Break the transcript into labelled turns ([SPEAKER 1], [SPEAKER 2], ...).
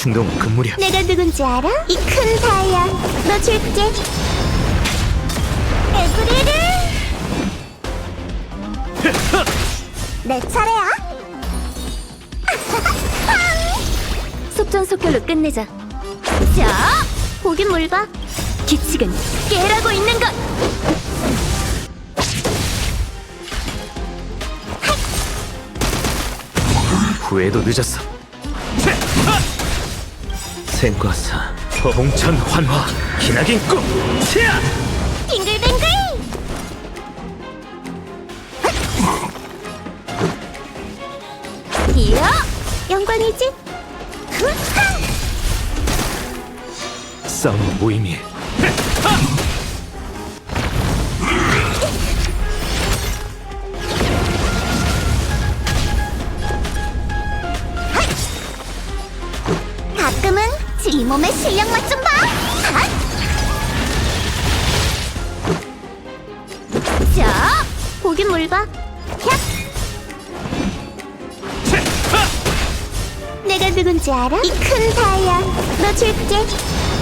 [SPEAKER 1] 같은 놈은 금물이야.
[SPEAKER 2] 내가 누군지 알아? 이 큰 다이아 너 줄게. 에브리를 내 차례야. 속전속결로 끝내자. 자, 보긴 뭘 봐. 규칙은 깨라고 있는 것.
[SPEAKER 1] 후회도 늦었어. 생과사 봉천 환화 기나긴 꿈 치아.
[SPEAKER 2] 빙글빙글. 이야, 영광이지. 후하!
[SPEAKER 1] 싸움은 무의미해.
[SPEAKER 2] 가끔은 이 몸의 실력 맛 좀 봐. 핫! 자, 보긴 뭘 봐. 야! 내가 누군지 알아? 이 큰 다이아 너 줄게.